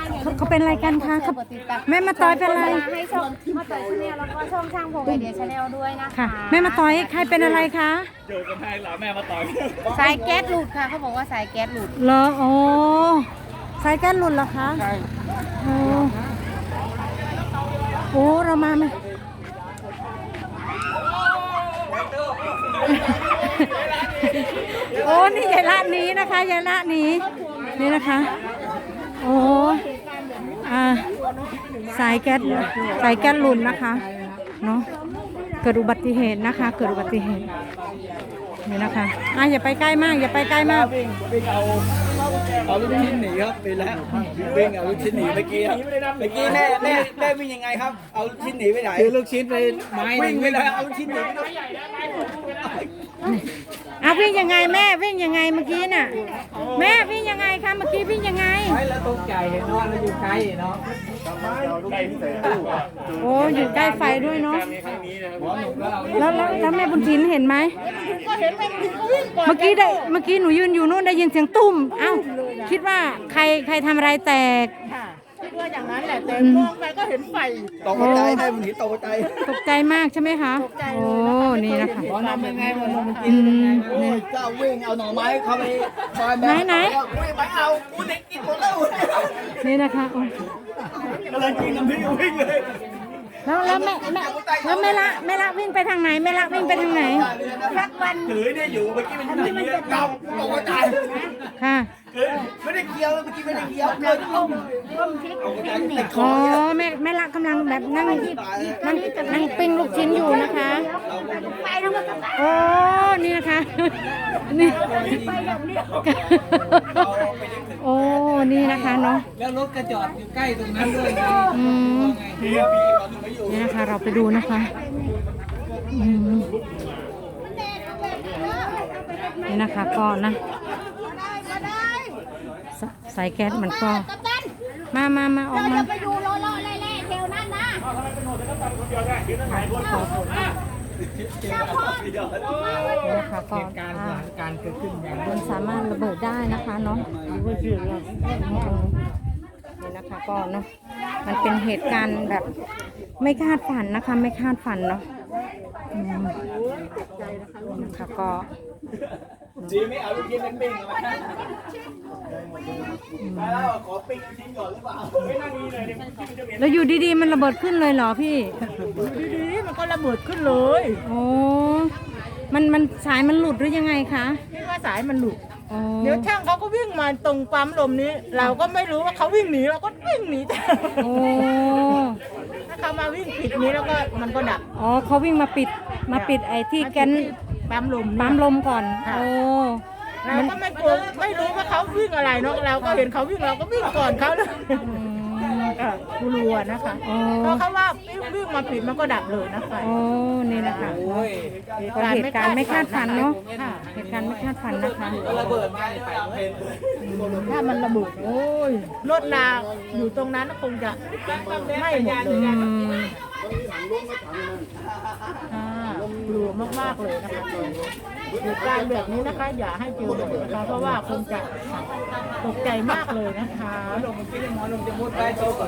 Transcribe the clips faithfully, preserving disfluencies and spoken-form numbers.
เขาเขาเป็นอะไรกันคะเขาแม่มาต่อยเป็นอะไรให้ช่องมาต่อยชาแนลแล้วก็ช่องช่างผมไอเดียชาแนลด้วยนะคะค่ะแม่มาต่อยใครเป็นอะไรคะอยู่กันให้หล่ะแม่มาต่อยสายแก๊สหลุดค่ะเขาบอกว่าสายแก๊สหลุดเหรอโอ้สายแก๊สหลุดเหรอคะใช่โอ้โอ้เรามาไหมโอ้นี่ยายละนี้นะคะยายละนี้นี่นะคะโอ้อ่าสายแก๊สสายแก๊สหลุดนะคะเนาะเกิดอุบัติเหตุนะคะเกิดอุบัติเหตุนี่นะคะอ่ะอย่าไปใกล้มากอย่าไปใกล้มากวิ่งวิ่งเอาเอาลูกชิ้นหนีครับไปแล้ววิ่งเอาลูกชิ้นหนีเมื่อกี้ครับเมื่อกี้แม่แม่แม่วิ่งยังไงครับเอาลูกชิ้นหนีไปไหนคือลูกชิ้นไปไม้วิ่งไปเลยเอาลูกชิ้นหนีไปเลยอ่ะวิ่งยังไงแม่วิ่งยังไงเมื่อกี้น่ะแม่วิ่งยังไงคะเมื่อกี้วิ่งยังไงไม้แล้วตกใจเห็นเนาะแล้วอยู่ไกลเนาะโอ้อยู่ใกล้ไฟด้วยเนาะแล้วแล้วแล้วแม่บุญถินเห็นไหมเมื่อกี้ได้เมื่อกี้หนูยืนอยู่นู่นได้ยินเสียงตุ้มเอ้าคิดว่าใครใครทำอะไรแตกคิดว่าอย่างนั้นแหละแต่มองไปก็เห็นไฟตกใจแม่บุญถินตกใจตกใจมากใช่ไหมคะโอ้นี่นะคะตอนนั้นเป็นไงมันมันกินนี่เจ้าวิ่งเอาหน่อไม้เข้าไปซอยแม่ไหนวิ่งไปเอากูเด็กกินหมดแล้วนี่นะคะกำลังกินน้ำพริกวิ่งเลยแล้วแล้วแม่แม่แล้วแม่ละแม่ละวิ่งไปทางไหนแม่ละวิ่งไปทางไหนทักวันถือเนี่ยอยู่เมื่อกี้มันอยู่ที่เก่าตกใจค่ะไม่ได้เคี้ยวเมื่อกี้ไม่ได้เคี้ยวเกินต้มต้มพริกอ๋อแม่แม่ละกำลังแบบนั่งนั่งนั่งปิ้งลูกชิ้นอยู่นะคะโอ้นี่นะคะนี่โอ้นี่นะคะเนาะแล้วรถกระจอดอยู่ใกล้ตรงนั้นด้วยอืมนี่นะคะเราไปดูนะคะอืมนี่นะคะก็นะสายแก๊สมันก็มามามาออกมาไปดูโลโลเล่ๆเทวนั้นนะนะคะก็การการเกิดขึ้นอย่างมันสามารถระเบิดได้นะคะเนาะนี่นะคะก็เนาะมันเป็นเหตุการณ์แบบไม่คาดฝันนะคะไม่คาดฝันเนาะนะคะก็จีไม่เอาลูกชิ้นเป็นปิ้งมาแล้วขอปิ้งชิ้นก่อนหรือเปล่าแล้วอยู่ดีๆมันระเบิดขึ้นเลยเหรอพี่ดีๆมันก็ระเบิดขึ้นเลยโอ้มันมันสายมันหลุดหรือยังไงคะคิดว่าสายมันหลุดเดี๋ยวช่างเขาก็วิ่งมาตรงปั๊มลมนี้เราก็ไม่รู้ว่าเขาวิ่งหนีเราก็วิ่งหนีแต่โอ้ถ้าเขามาวิ่งปิดนี้แล้วก็มันก็ดับอ๋อเขาวิ่งมาปิดมาปิดไอ้ที่แกนปั๊มลมปั๊มลมก่อนโอ้เราก็ไม่กลัวไม่รู้ว่าเขาวิ่งอะไรเนาะเราก็เห็นเขาวิ่งเราก็วิ่งก่อนเขาเลยกลัวนะคะเพราะเขาว่าวิ่งมาปิดมันก็ดับเลยนะคะโอ้นี่นะคะเหตุการณ์ไม่คาดฝันเนาะเหตุการณ์ไม่คาดฝันนะคะระเบิดมาไปถ้ามันระเบิดโอ้ยรถลาอยู่ตรงนั้นคงจะไม่หมดเลยกลัวมากๆเลยนะคะเหตุการณ์แบบนี้นะคะอย่าให้เจอเลยนะคะเพราะว่าคงจะตกใจมากเลยนะคะลงกินหมอลงจะมุดได้โตก่อน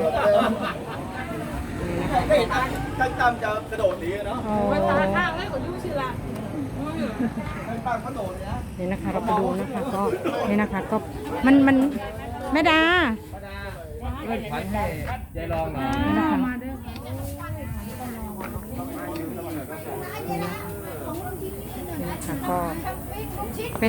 ตั้งตามจะกระโดดหนีเนาะไปตาข้างให้คนยุ่งสิละปากกระโดดนะนี่นะคะเราไปดูนะคะก็นี่นะคะก็มันมันแม่ดาเล่นฝันให้ยายลองหน่อยนะคะก็เป็น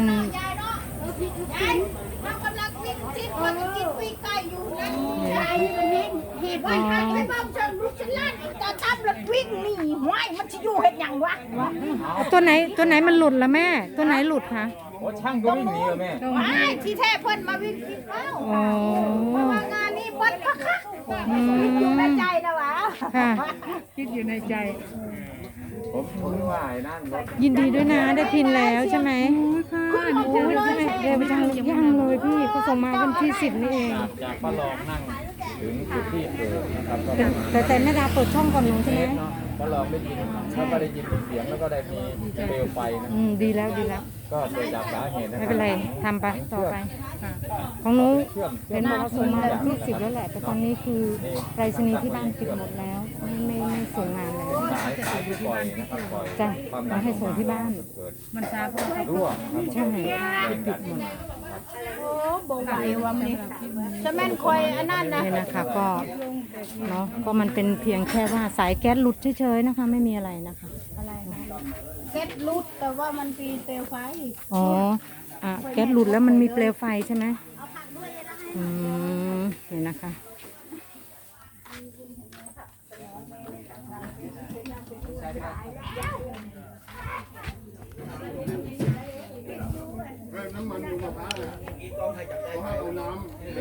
เหตุว่าไอ้บ้าเชิงลูกชิ้นล้านต่อตามรถวิ่งหนีห้วยมันจะอยู่เห็นอย่างวะตัวไหนตัวไหนมันหลุดละแม่ตัวไหนหลุดคะโอ้ช่างก็วิ่งหนีเหรอแม่ไม่ที่แท้เพิ่นมาวิ่งกินข้าวเพราะว่างานนี้บดพักคักคิดอยู่ในใจนะวะคิดอยู่ในใจผมผมว่าไอ้นั่นยินดีด้วยนะได้พินแล้วใช่ไหมค่ะโอ้ยใช่ไหมเดี๋ยวไปทางย่างเลยพี่เขาส่งมาวันที่สิบนี่เองจากป้าลองนั่งถึงจุดที่เกิดนะครับแต่แต่แม่ดาเปิดช่องก่อนหนูใช่ไหมก็ลองได้ยินแล้วก็ได้ยินเสียงแล้วก็ได้มีเปลวไฟนะอืมดีแล้วดีแล้วก็เกิดจากสาเหตุนะคไม่รับเป็นไรทำไปต่อไป ของหนูเชื่อมเห็นบอกว่าส่งมาที่สิบแล้วแหละ แต่ตอนนี้คือไปรษณีย์ที่บ้านปิดหมดแล้วไม่ไม่ไม่ส่งงานแล้วสายสายที่ปล่อยนะครับปล่อยจ้ะความมาให้ส่งที่บ้านเกิดมันซาเพราะรั่วครับใช่ปิดหมดโอ้โบไหววะมันจะแม่นคอยอันนั้นนะนี่นะคะก็เนาะก็มันเป็นเพียงแค่ว่าสายแก๊สหลุดเฉยๆนะคะ ไม่มีอะไรนะคะอะไรคะเซ็ตรูดแต่ว่ามันปีเซลไฟอ๋ออ่ะแก๊สหลุดแล้วมันมีเปลวไฟใช่ไหมอืมนี่นะคะน้ำมันอยู่มะพร้าวเลยเขาให้เอาน้ำ